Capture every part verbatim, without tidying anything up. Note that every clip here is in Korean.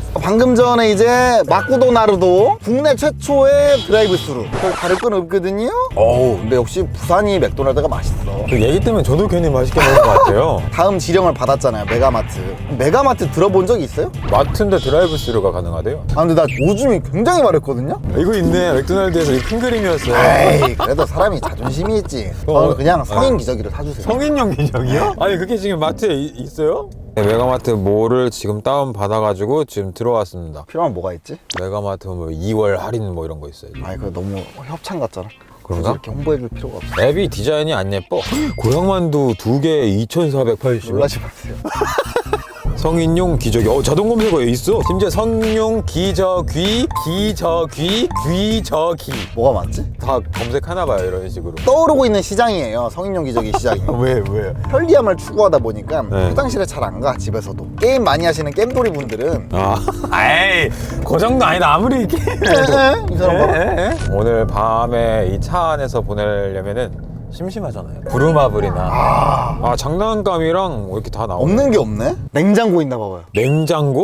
방금 전에 이제 마쿠도 나루도 국내 최초의 드라이브 스루. 별 다를 건 없거든요. 어우, 근데 역시 부산이 맥도날드가 맛있어. 그 얘기 때문에 저도 괜히 맛있게 먹은 것 같아요. 다음 지령을 받았잖아요, 메가마트. 메가마트 들어본 적 있어요? 마트인데 드라이브 스루가 가능하대요. 아, 근데 나 오줌이 굉장히 마렵거든요? 이거 있네. 맥도날드에서 이 큰 그림이었어. 에이, 그래도 사람이 자존심이 있지. 저는 그냥 성인 기저귀를 사주세요. 성인용 기저귀요? 아니 그게 지금 마트에 이, 있어요? 네, 메가마트 몰을 지금 다운 받아가지고 지금 들어왔습니다. 필요한 뭐가 있지? 메가마트 뭐 이월 할인 뭐 이런 거 있어요. 아니, 그거 너무 협찬 같잖아. 그런가? 이렇게 홍보해줄 필요가 없어. 앱이 디자인이 안 예뻐. 고향만두 두 개에 이천사백팔십 원. 놀라지 마세요. 성인용 기저귀. 어, 자동 검색어에 있어. 심지어 성용 기저귀, 기저귀, 귀저귀. 뭐가 맞지? 다 검색하나 봐요, 이런 식으로. 떠오르고 있는 시장이에요, 성인용 기저귀 시장이. 왜, 왜? 편리함을 추구하다 보니까 네. 화장실에 잘 안 가, 집에서도. 게임 많이 하시는 겜돌이 분들은 아, 에이, 그 정도 아니다. 아무리 게임해도. 이 사람 봐라. 오늘 밤에 이 차 안에서 보내려면은 심심하잖아요. 부루마블이나 아, 아 장난감이랑 뭐 이렇게 다 나오네. 없는 게 없네? 냉장고 있나 봐봐요. 냉장고?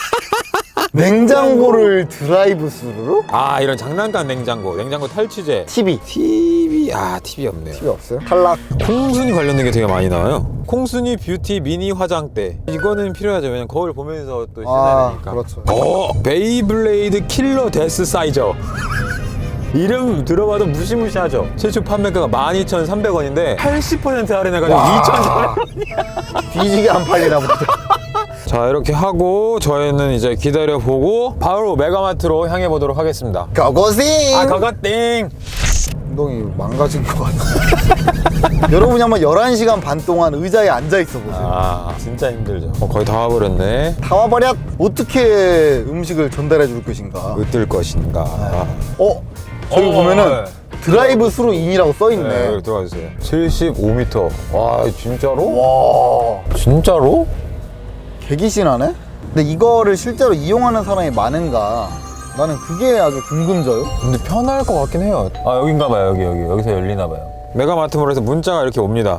냉장고를 드라이브 스루로? 아 이런 장난감 냉장고, 냉장고 탈취제. 티비. 티비 아 티비 없네요. 티비 없어요? 탈락. 콩순이 관련된 게 되게 많이 나와요. 콩순이 뷰티 미니 화장대. 이거는 필요하죠. 왜냐면 거울 보면서 또 씻어야 아, 되니까. 그렇죠. 어 베이블레이드 킬러 데스 사이저. 이름 들어봐도 무시무시하죠. 최초 판매가가 만 이천삼백 원인데 팔십 퍼센트 할인해가지고 이천사백 원. 뒤지게 안 팔리나 보다. 자 이렇게 하고 저희는 이제 기다려보고 바로 메가마트로 향해 보도록 하겠습니다. 고고싱! 아 그거띵! 운동이 망가진 것 같아. 여러분이 한번 열한 시간 반 동안 의자에 앉아있어 보세요. 아 진짜 힘들죠. 어, 거의 다 와버렸네. 다 와버렸! 어떻게 음식을 전달해 줄 것인가? 으뜰 것인가. 어? 저기 어, 보면은 네. 드라이브 스루 인이라고 써있네. 네, 여기 들어가주세요. 칠십오 미터. 와 진짜로? 와, 진짜로? 개기신하네? 근데 이거를 실제로 이용하는 사람이 많은가? 나는 그게 아주 궁금져요. 근데 편할 것 같긴 해요. 아 여긴가 봐요. 여기 여기 여기서 열리나 봐요. 메가마트몰에서 문자가 이렇게 옵니다.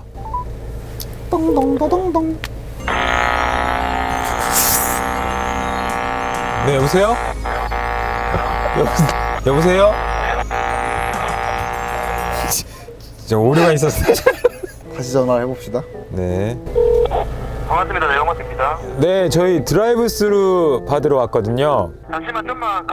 똥똥똥똥똥. 네 여보세요? 여보, 여보세요? 진짜 오류가 있었어요. 다시 전화를 해봅시다. 네. 반갑습니다. 메가마트입니다. 네 저희 드라이브 스루 받으러 왔거든요. 잠시만 좀만.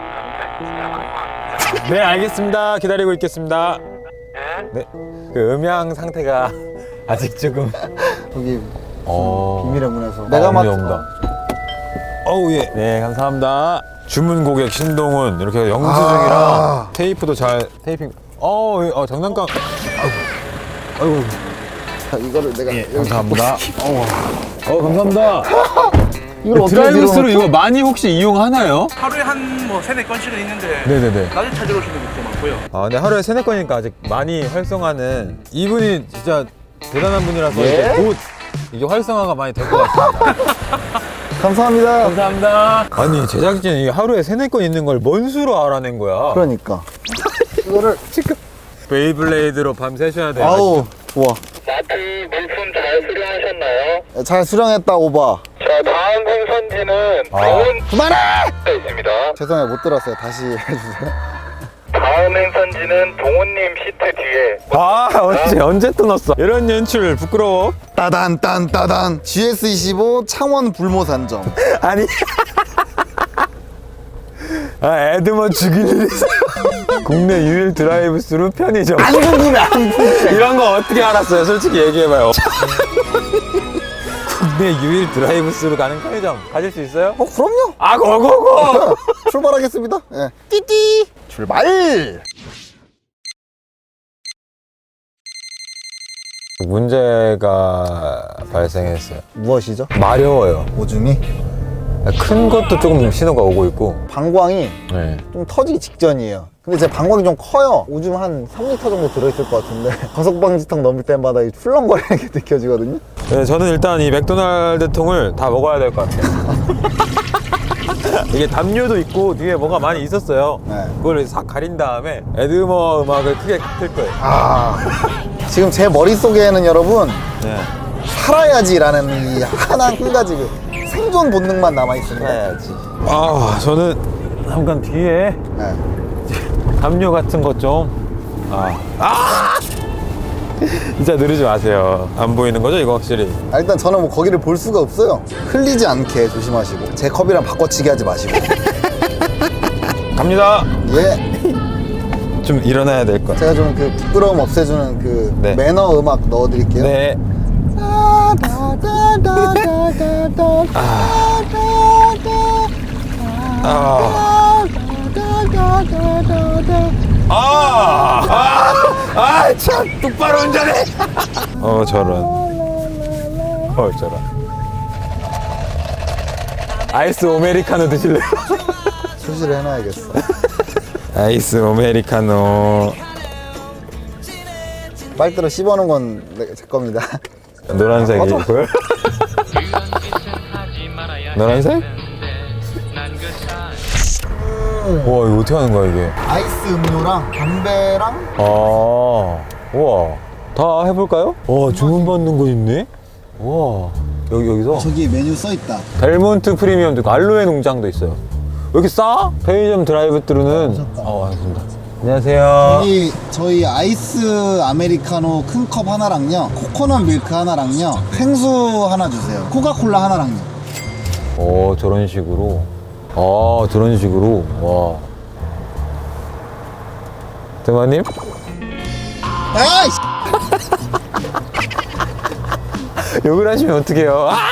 네 알겠습니다. 기다리고 있겠습니다. 네. 네. 그 음향 상태가 아직 조금. 여기 어. 비밀의 문에서. 메가마트. 메가마트. 어우 예. 네 감사합니다. 주문 고객 신동훈 이렇게 영수증이랑 아. 테이프도 잘 테이핑. 어, 예. 어 장난감. 아이고. 아이고. 자, 이거를 내가. 여기 감사합니다. 어 감사합니다. 이걸 어떻게 드라이브 스루 밀어넣죠? 이거 많이 혹시 이용하나요? 하루에 한 뭐 세네 건씩은 있는데 네네네. 낮에 찾으러 오시는 분도 많고요. 아 근데 하루에 세네 건이니까 아직 많이 활성화는 이분이 진짜 대단한 분이라서 예? 이제 곧 이게 활성화가 많이 될 것 같습니다. 감사합니다. 감사합니다. 아니 제작진이 하루에 세네 건 있는 걸 뭔 수로 알아낸 거야? 그러니까. 이거를. 지금 베이블레이드로 밤 새셔야 돼요. 아우, 좋아. 마트 물품 잘 수령하셨나요? 잘 수령했다, 오바. 자, 다음 행선지는 아. 병원에 그만해! 있습니다. 죄송해요, 못 들었어요. 다시 해주세요. 다음 행선지는 동훈님 시트 뒤에. 아 언제 언제 또 넣었어? 이런 연출 부끄러워? 따단, 딴, 따단. 지에스 이십오 창원 불모산점. 아니. 아 에드먼 죽이는 국내 유일 드라이브 스루 편의점. 안 궁금해, 안 궁금해. 이런 거 어떻게 알았어요? 솔직히 얘기해봐요. 국내 유일 드라이브 스루 가는 편의점 가질 수 있어요? 어, 그럼요. 아 고고고. 출발하겠습니다. 예. 띠띠. 출발! 문제가 발생했어요. 무엇이죠? 마려워요. 오줌이? 큰 것도 조금 신호가 오고 있고. 방광이 네. 좀 터지기 직전이에요. 근데 제 방광이 좀 커요. 오줌 한 삼 리터 정도 들어있을 것 같은데 거석방지턱 넘을 때마다 이 출렁거리는 게 느껴지거든요. 네, 저는 일단 이 맥도날드 통을 다 먹어야 될 것 같아요. 이게 담요도 있고 뒤에 뭐가 많이 있었어요. 네. 그걸 싹 가린 다음에 에드머 음악을 크게 틀 거예요. 아, 지금 제 머릿속에는 여러분 네. 살아야지라는 이 하나 한 가지 그 생존 본능만 남아있습니다. 해야지. 아, 저는 잠깐 뒤에 네. 담요 같은 것 좀. 아. 아! 진짜 누르지 마세요. 안 보이는 거죠, 이거 확실히? 아, 일단 저는 뭐 거기를 볼 수가 없어요. 흘리지 않게 조심하시고 제 컵이랑 바꿔치기 하지 마시고. 갑니다. 예. 좀 일어나야 될 것. 제가 좀 그 부끄러움 없애주는 그 네. 매너 음악 넣어드릴게요. 네. 아. 아, 아, 아, 참, 똑바로 운전해. 어, 저런. 어, 저런. 아이스 아메리카노 드실래요? 수시를 해놔야겠어. 아이스 아메리카노. 빨대로 씹어놓은 건 제 겁니다. 노란색이고요. 노란색? 와, 이거 어떻게 하는 거야, 이게? 아이스 음료랑 담배랑 아, 우와. 다 해볼까요? 와, 주문받는 거 있네? 우와. 여기, 여기서? 저기 메뉴 써있다. 델몬트 프리미엄도 있고, 알로에 농장도 있어요. 왜 이렇게 싸? 편의점 드라이브 트루는. 어, 알겠습니다. 안녕하세요. 여기 저희 아이스 아메리카노 큰 컵 하나랑요, 코코넛 밀크 하나랑요, 생수 하나 주세요. 코카콜라 하나랑요. 오, 저런 식으로. 아, 저런 식으로. 와. 대마님? 아이씨! 욕을 하시면 어떡해요? 아!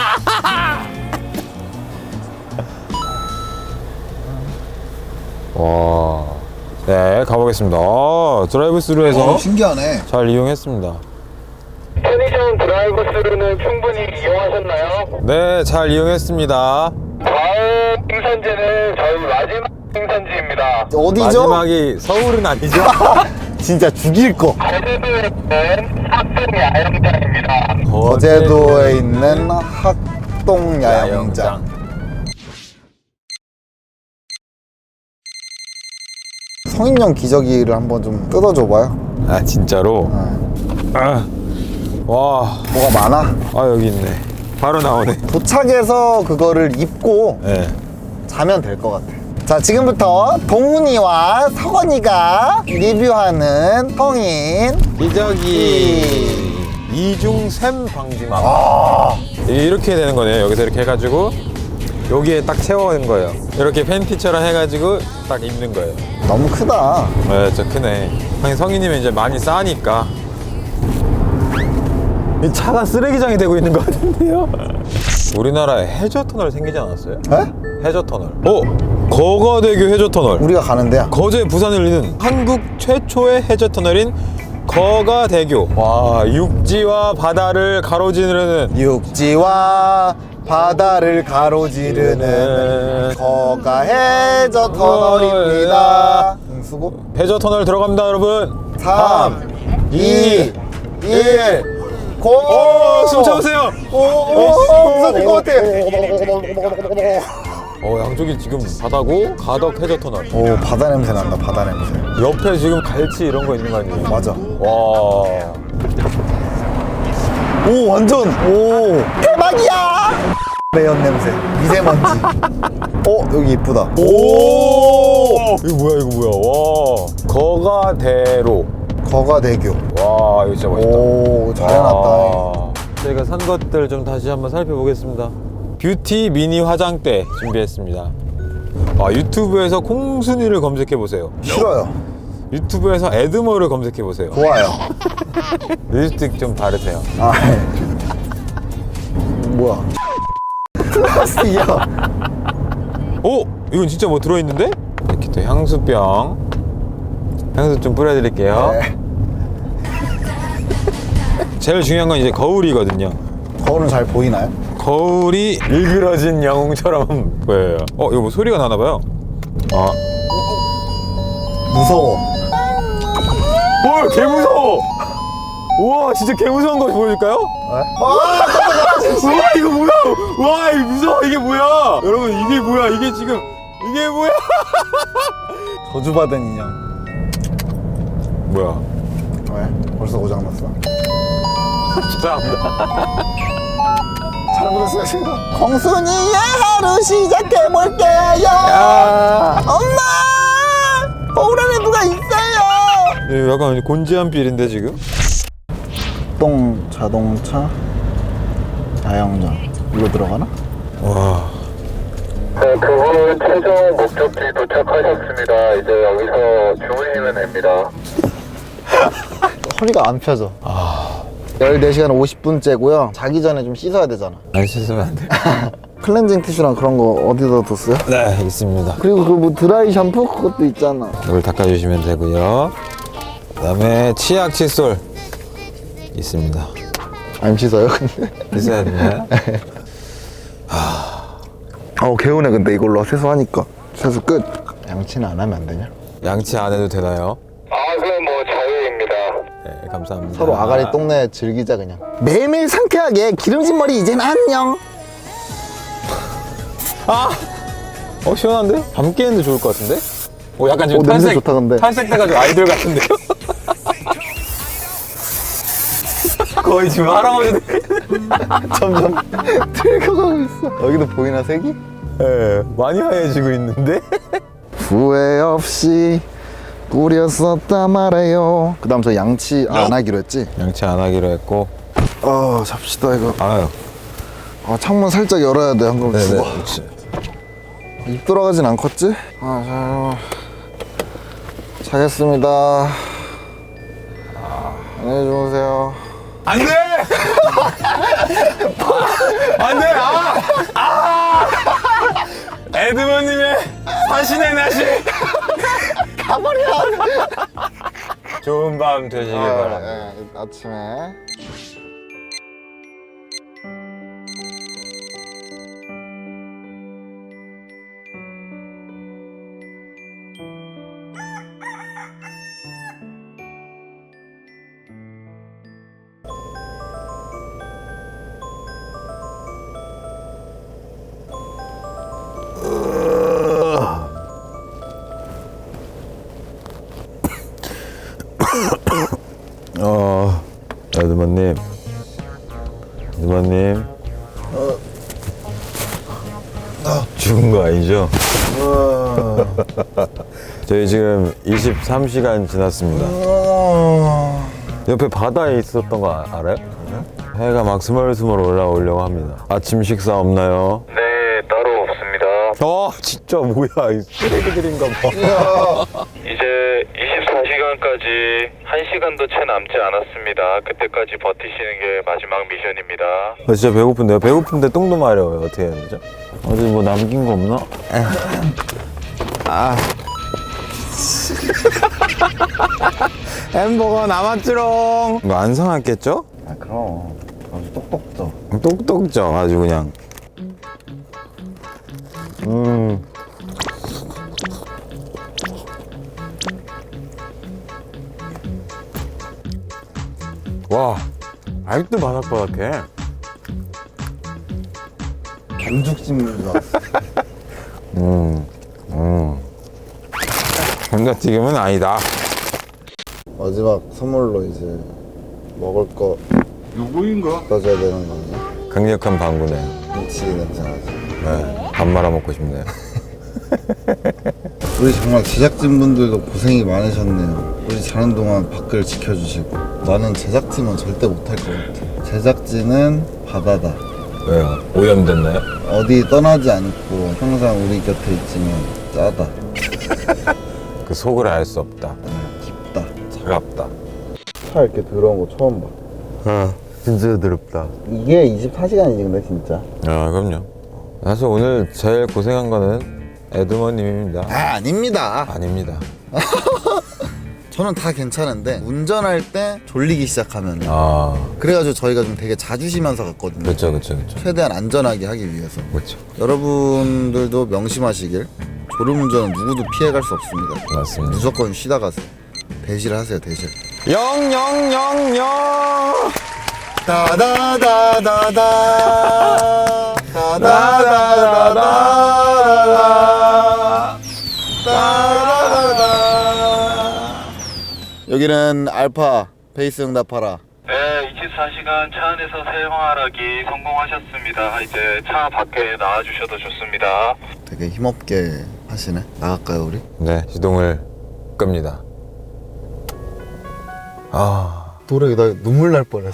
와. 네, 가보겠습니다. 아, 드라이브 스루에서 어, 신기하네. 잘 이용했습니다. 편의점 드라이브 스루는 충분히 이용하셨나요? 네, 잘 이용했습니다. 다음 행선지는 저희 마지막 행선지입니다. 어디죠? 마지막이 서울은 아니죠? 진짜 죽일 거. 제주도에 있는 학생 야영장입니다. 거제도에 있는 학동 야영장. 성인용 기저귀를 한번 좀 뜯어줘봐요. 아, 진짜로? 네. 아. 와. 뭐가 많아? 아, 여기 있네. 바로 나오네. 도착해서 그거를 입고 네. 자면 될 것 같아. 자, 지금부터 동훈이와 석원이가 리뷰하는 성인 기저귀 이중샘 방지막. 이렇게 되는 거네요. 여기서 이렇게 해가지고 여기에 딱 채워는 거예요. 이렇게 팬티처럼 해가지고 딱 입는 거예요. 너무 크다. 네, 저 크네. 하긴 성인이면 이제 많이 싸니까. 이 차가 쓰레기장이 되고 있는 것 같은데요? 우리나라에 해저터널 생기지 않았어요? 에? 해저터널. 어? 거가대교 해저터널. 우리가 가는데야. 거제 부산을 잇는 한국 최초의 해저터널인 거가대교. 와, 육지와 바다를 가로지르는 육지와 바다를 가로지르는 거가 해저 터널입니다. 응, 수고. 해저터널 들어갑니다, 여러분. 삼, 이, 일, 고! 오, 숨 참으세요. 오, 오, 오, 무서울 것 같아. 어, 양쪽이 지금 바다고 가덕 해저터널. 오, 바다 냄새 난다, 바다 냄새. 옆에 지금 갈치 이런 거 있는 거 아니에요? 맞아. 와. 오, 완전, 오. 대박이야! 매연 냄새, 미세먼지. 어, 여기 이쁘다. 오! 이거 뭐야, 이거 뭐야. 와. 거가대로. 거가대교. 와, 이거 진짜 멋있다. 오, 잘 해놨다. 와. 저희가 산 것들 좀 다시 한번 살펴보겠습니다. 뷰티 미니 화장대 준비했습니다. 아, 유튜브에서 콩순이를 검색해보세요. 싫어요. 유튜브에서 에드머를 검색해보세요. 좋아요. 립스틱 좀 바르세요. 아, 뭐야. 플라스틱이야. 오! 이건 진짜 뭐 들어있는데? 이렇게 또 향수병. 향수 좀 뿌려드릴게요. 네. 제일 중요한 건 이제 거울이거든요. 거울은 잘 보이나요? 거울이 일그러진 영웅처럼 보여요. 어, 이거 뭐 소리가 나나봐요. 아. 무서워. 와, 개 무서워! 우와, 진짜 개 무서운 거 보여줄까요? 네? 우와, 이거 뭐야! 와, 이거 무서워! 이게 뭐야! 여러분, 이게 뭐야! 이게 지금, 이게 뭐야! 저주받은 인형. 뭐야? 왜? 벌써 고장났어. 죄송합니다. 잘못했어요 제가. 공순이의 하루 시작해볼게요. 야, 엄마! 거울안에 누가 있어요. 이거 약간 곤지암 빌인데 지금? 동 자동차 야영장 이거 들어가나? 와, 네, 그분 최종 목적지 도착하셨습니다. 이제 여기서 주무시면 됩니다. 허리가 안 펴져. 열네 시간 오십 분째고요. 자기 전에 좀 씻어야 되잖아. 안 씻으면 안 돼. 클렌징 티슈랑 그런 거 어디다 뒀어요? 네, 있습니다. 그리고 그 뭐 드라이 샴푸 그것도 있잖아. 이걸 닦아주시면 되고요. 그다음에 치약 칫솔 있습니다. 안 씻어요 근데? 있어야 되나요? 어 개운해 근데 이걸로 세수하니까. 세수 끝. 양치는 안 하면 안 되냐? 양치 안 해도 되나요? 아, 그건 뭐 자유입니다. 네, 감사합니다. 서로 아가리 똥내 즐기자 그냥. 매일매일 상쾌하게 기름진 머리 이젠 안녕. 아, 어 시원한데? 밤 깨는데 좋을 것 같은데? 오, 약간 지금 오, 냄새 탈색 좋다, 근데. 탈색돼가지고 아이돌 같은데요? 거의 지금 할아버지. 점점 들켜가고 있어. 여기도 보이나 색이? 네, 많이 하얘지고 있는데? 후회 없이 꾸렸었다 말해요. 그 다음 저 양치 안 하기로 했지? 양치 안 하기로 했고. 어 잡시다 이거. 아유, 아, 창문 살짝 열어야 돼. 한 그럼 죽어. 네네. 입 돌아가진 않겠지? 아, 자, 자겠습니다. 안녕히 주무세요. 안 돼! 아, 안 돼! 아! 아! 에드먼님의 사신의 나시! 가버려! 좋은 밤 되시길 바랍니다. 아, 예, 아침에. 어, 에드먼님. 에드먼님. 죽은 거 아니죠? 저희 지금 이십삼 시간 지났습니다. 옆에 바다에 있었던 거 아- 알아요? 해가 막 스멀스멀 올라오려고 합니다. 아침 식사 없나요? 네, 따로 없습니다. 어, 진짜 뭐야, 이 쓰레기들인가 봐. 이제 이십사 시간까지 한 시간도 채 남지 않았습니다. 그때까지 버티시는 게 마지막 미션입니다. 아, 진짜 배고픈데요? 배고픈데 똥도 마려워요. 어떻게 해야 되죠? 어디 뭐 남긴 거 없나? 아. 햄버거 남았지롱. 이거 안 상했겠죠? 아, 그럼. 아주 똑똑 져. 똑똑 져 아주 그냥. 음. 와, 아직도 바삭바삭해. 반죽 씹는 줄 알았어. 음, 음. 감자튀김은 아니다. 마지막 선물로 이제 먹을 거 누구인가? 넣어줘야 되는 거냐? 강력한 방구네요. 김치 냄새 나지. 네, 밥 말아 먹고 싶네요. 우리 정말 제작진분들도 고생이 많으셨네요. 우리 자는 동안 밖을 지켜주시고. 나는 제작팀은 절대 못할 것 같아. 제작진은 바다다. 왜요? 오염됐나요? 어디 떠나지 않고 항상 우리 곁에 있지만 짜다. 그 속을 알 수 없다. 깊다. 차갑다. 차 이렇게 더러운 거 처음 봐. 아, 진짜 더럽다. 이게 이십사 시간이지 근데 진짜. 아, 그럼요. 사실 오늘 제일 고생한 거는 에드머님입니다. 아 아닙니다. 아닙니다. 저는 다 괜찮은데 운전할 때 졸리기 시작하면 아, 그래가지고 저희가 좀 되게 자주 쉬면서 갔거든요. 그렇죠, 그렇죠, 그렇죠. 최대한 안전하게 하기 위해서. 그렇죠. 여러분들도 명심하시길. 졸음운전은 누구도 피해갈 수 없습니다. 맞습니다. 무조건 쉬다 가세요. 대실 하세요 대실. 영영영영. 다다다다다 다다다다다 다다다다. 여기는 알파 베이스 응답하라 네, 이십사 시간 차 안에서 생활하기 성공하셨습니다. 이제 차 밖에 나와주셔도 좋습니다. 되게 힘없게 하시네. 나갈까요 우리? 네, 시동을 끕니다. 아, 도래기 나 눈물 날 뻔했어.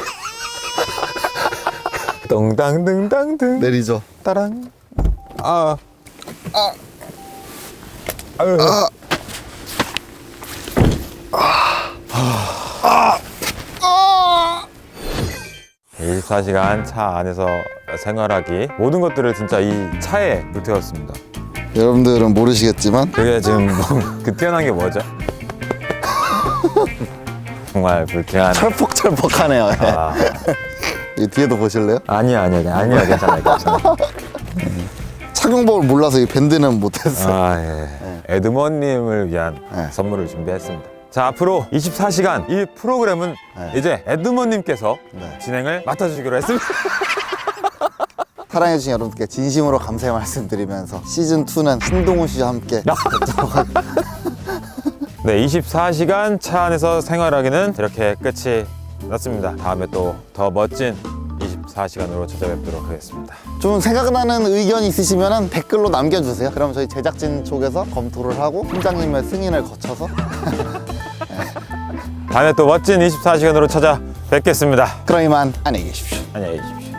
덩당등당등 내리죠. 따랑. 아, 아, 아유. 아. 이십사 시간 차 안에서 생활하기 모든 것들을 진짜 이 차에 불태웠습니다. 여러분들은 모르시겠지만 그게 지금 뭐, 그 뛰어난 게 뭐죠? 정말 불쾌한. 철퍽철퍽하네요. 아, 이 뒤에도 보실래요? 아니야 아니야 아니야 괜찮아요 괜찮아요. 착용법을 몰라서 이 밴드는 못했어요. 아 예. 에드먼님을 위한 네. 선물을 준비했습니다. 자, 앞으로 이십사 시간 이 프로그램은 네. 이제 에드먼님께서 네. 진행을 맡아주시기로 했습니다. 사랑해주신 여러분께 진심으로 감사의 말씀드리면서 시즌이는 한동훈 씨와 함께 네, 이십사 시간 차 안에서 생활하기는 이렇게 끝이 났습니다. 다음에 또 더 멋진 이십사 시간으로 찾아뵙도록 하겠습니다. 좀 생각나는 의견 있으시면 댓글로 남겨주세요. 그럼 저희 제작진 쪽에서 검토를 하고 팀장님의 승인을 거쳐서 다음에 또 멋진 이십사 시간으로 찾아뵙겠습니다. 그럼 이만 안녕히 계십시오. 안녕히 계십시오.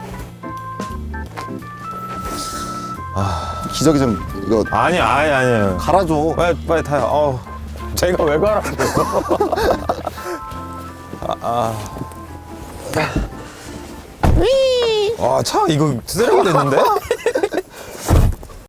기저귀 좀 이거 아니 아니 아니요. 갈아줘. 빨리 빨리 타요. 어우, 제가 왜 가라고? 아, 아. 아, 차 이거 쓰레기 됐는데?